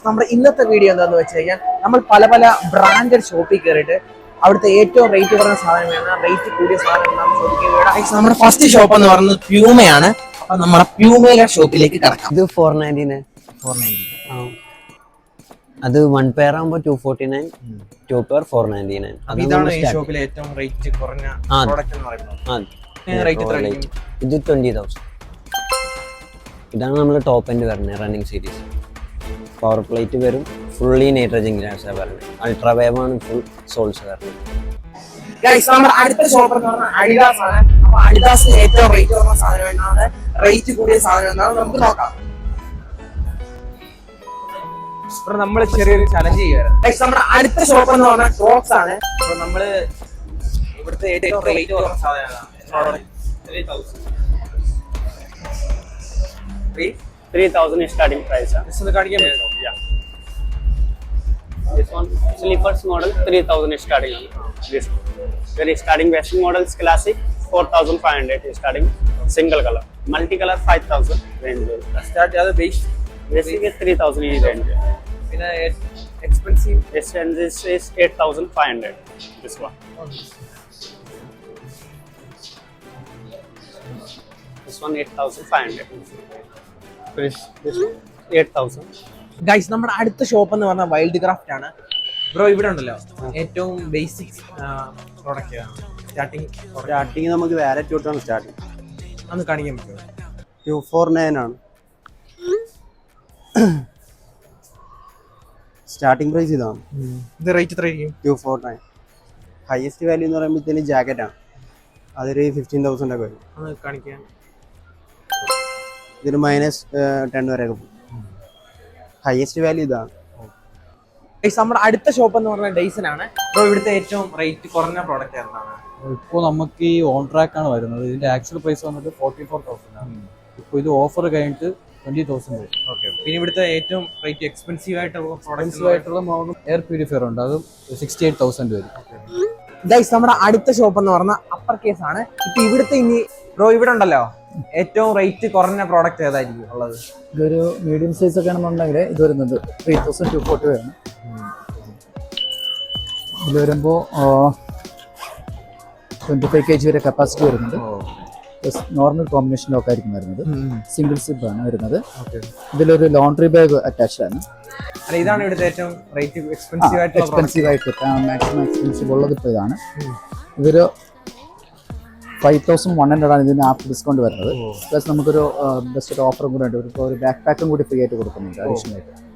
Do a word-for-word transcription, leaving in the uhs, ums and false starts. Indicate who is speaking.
Speaker 1: നമ്മുടെ ഇന്നത്തെ വീഡിയോ എന്താണെന്ന് വെച്ച് കഴിഞ്ഞാൽ നമ്മൾ പല പല ബ്രാൻഡഡ് ഷോപ്പിൽ കയറിയിട്ട് അവിടുത്തെ ഏറ്റവും റേറ്റ് കുറഞ്ഞ സാധനമാണ് റേറ്റ് കൂടിയ സാധനങ്ങളാണ് ചോദിക്കുന്നത്. നമ്മുടെ ഫസ്റ്റ് ഷോപ്പ് എന്ന് പറയുന്നത് പ്യൂമയാണ്. അപ്പൊ നമ്മുടെ പ്യൂമയിലെ ഷോപ്പിലേക്ക് കിടക്കാം.
Speaker 2: ഇത് four ninety nine
Speaker 1: four ninety
Speaker 2: അത് വൺ പെയർ ആകുമ്പോൾ two forty nine two pair four ninety nine.
Speaker 1: ഇതാണ് ഈ ഷോപ്പിലെ ഏറ്റവും റേറ്റ് കുറഞ്ഞ പ്രോഡക്റ്റ് എന്ന് പറയുന്നത്.
Speaker 2: ഇത് ട്വന്റി തൗസൻഡ്. ഇതാണ് നമ്മൾ ടോപ്പ് എൻഡ് വരുന്നത് റണ്ണിങ് സീരീസ്. പവർ പ്ലേറ്റ് വരും, ഫുള്ളി നൈട്രജൻ ഗ്ലാസ് വരുന്നത്. അൾട്രാ വേവ് ആണ് ഫുൾ സോൾസ് വരുന്നത്.
Speaker 1: അടുത്ത ഷോപ്പ് എന്ന് പറഞ്ഞാൽ അഡിഡാസ് ആണ്. അപ്പൊ അഡിഡാസിന് ഏറ്റവും റേറ്റ് കുറഞ്ഞ സാധനം എന്നാണ്, റേറ്റ് കൂടിയ സാധനം എന്നാണ് നമുക്ക് നോക്കാം. നമ്മള് ചെറിയൊരു ചലഞ്ച് ചെയ്യുകയാണ്. നമ്മുടെ അടുത്ത ഷോപ്പ് എന്ന് പറഞ്ഞാൽ ക്രോക്സ് ആണ്. അപ്പൊ നമ്മള് ഇവിടുത്തെ ഏറ്റവും റേറ്റ് കുറഞ്ഞ സാധനമാണ്.
Speaker 3: three thousand starting price.
Speaker 1: This is the cardigan.
Speaker 3: Yeah. This one slippers model three thousand starting. This very starting basic models classic four thousand five hundred starting single color. Multi color five thousand range.
Speaker 1: Start the base
Speaker 3: basic is three thousand range.
Speaker 1: In a expensive
Speaker 3: this range is, is eight thousand five hundred. This one. This one eight thousand five hundred. This this one eight thousand.
Speaker 1: Guys, നമ്മുടെ അടുത്ത shop എന്ന് പറഞ്ഞാൽ wild craft ആണ്. Bro ഇവിടെ ഉണ്ടല്ലോ ഏറ്റവും basic product starting
Speaker 2: starting നമുക്ക് wallet തൊട്ടാണ് സ്റ്റാർട്ടിങ്.
Speaker 1: ഒന്ന് കാണിക്കാൻ പറ്റുമോ?
Speaker 2: ടു ഫോർ നയൻ ആണ് സ്റ്റാർട്ടിങ് പ്രൈസ്. ഇതാണ്
Speaker 1: ഇത് റേറ്റ് എത്ര ആയിരിക്കും?
Speaker 2: Two four nine. Highest value എന്ന് പറയുമ്പോഴത്തേന് ജാക്കറ്റ് ആണ്. അതൊരു ഫിഫ്റ്റീൻ തൗസൻഡ് ഒക്കെ വരും.
Speaker 1: ഒന്ന് കാണിക്കാൻ.
Speaker 2: ഇതിന് മൈനസ് ടെൻ വരെയൊക്കെ പോകും. ഹയസ്റ്റ് വാല്യൂ ഇതാണ്.
Speaker 1: നമ്മുടെ അടുത്ത ഷോപ്പ് എന്ന് പറഞ്ഞാൽ ഡൈസൺ ആണ്. അപ്പോൾ ഇവിടുത്തെ ഏറ്റവും റേറ്റ് കുറഞ്ഞ പ്രോഡക്റ്റ് എന്താണ്?
Speaker 4: ഇപ്പോൾ നമുക്ക് ഈ ഓൺ ട്രാക്ക് ആണ് വരുന്നത്. ഇതിന്റെ ആക്ച്വൽ പ്രൈസ് വന്നിട്ട് ഫോർട്ടി ഫോർ തൗസൻഡ് ആണ്. ഇപ്പോൾ ഇത് ഓഫർ കഴിഞ്ഞിട്ട് ട്വന്റി തൗസൻഡ് വരും.
Speaker 1: ഓക്കെ. പിന്നെ ഇവിടുത്തെ ഏറ്റവും റേറ്റ് എക്സ്പെൻസീവ് ആയിട്ടുള്ള
Speaker 4: എക്സ്പെൻസീവ് ആയിട്ടുള്ള മോഡൽ എയർ പ്യൂരിഫയർ ഉണ്ട്. അത് സിക്സ്റ്റി എയ്റ്റ് തൗസൻഡ് വരും.
Speaker 1: ഗൈസ്, നമ്മുടെ അടുത്ത ഷോപ്പ് എന്ന് പറഞ്ഞാൽ അപ്പർ കേസ് ആണ്. ഇപ്പൊ ഇവിടുത്തെ ഇനി ബ്രോ ഇവിടെ ഉണ്ടല്ലോ ഏറ്റവും റേറ്റ് കുറഞ്ഞ പ്രോഡക്റ്റ് ഏതായിരിക്കും ഉള്ളത്?
Speaker 4: ഇതൊരു മീഡിയം സൈസ് ഒക്കെ ആണെന്നുണ്ടെങ്കിൽ ഇത് വരുന്നത് ത്രീ തൗസൻഡ് ടു ഫോർട്ടി വരും. ഇത് വരുമ്പോൾ ട്വന്റി ഫൈവ് കെ ജി വരെ കപ്പാസിറ്റി വരുന്നത്. നോർമൽ കോമ്പിനേഷൻ ലോക്ക് ആയിരിക്കും വരുന്നത്. സിംഗിൾ സിപ്പ് ആണ് വരുന്നത്. ഇതിലൊരു ലോണ്ടറി ബാഗ് അറ്റാച്ച്ഡ് ആണ്.
Speaker 1: ഇതാണ് ഇവിടുത്തെ ഏറ്റവും റേറ്റ് എക്സ്പെൻസീവ് ആയിട്ട്
Speaker 4: എക്സ്പെൻസീവ് ആയിട്ട് മാക്സിമം എക്സ്പെൻസീവ് ഉള്ളത് ഇപ്പോൾ ഇതാണ്. ഇതൊരു ഫൈവ് തൗസൻഡ് വൺ ഹൺഡ്രഡ് ആണ് ഇതിന് ആപ്പ് ഡിസ്കൗണ്ട് വരുന്നത്. പ്ലസ് നമുക്കൊരു ബെസ്റ്റ് ഒരു ഓഫറും കൂടെ ഉണ്ട്. ഇപ്പോൾ ഒരു ബാക്ക് പാക്കും കൂടി ഫ്രീ ആയിട്ട് കൊടുക്കുന്നുണ്ട് അഡീഷണൽ ആയിട്ട്.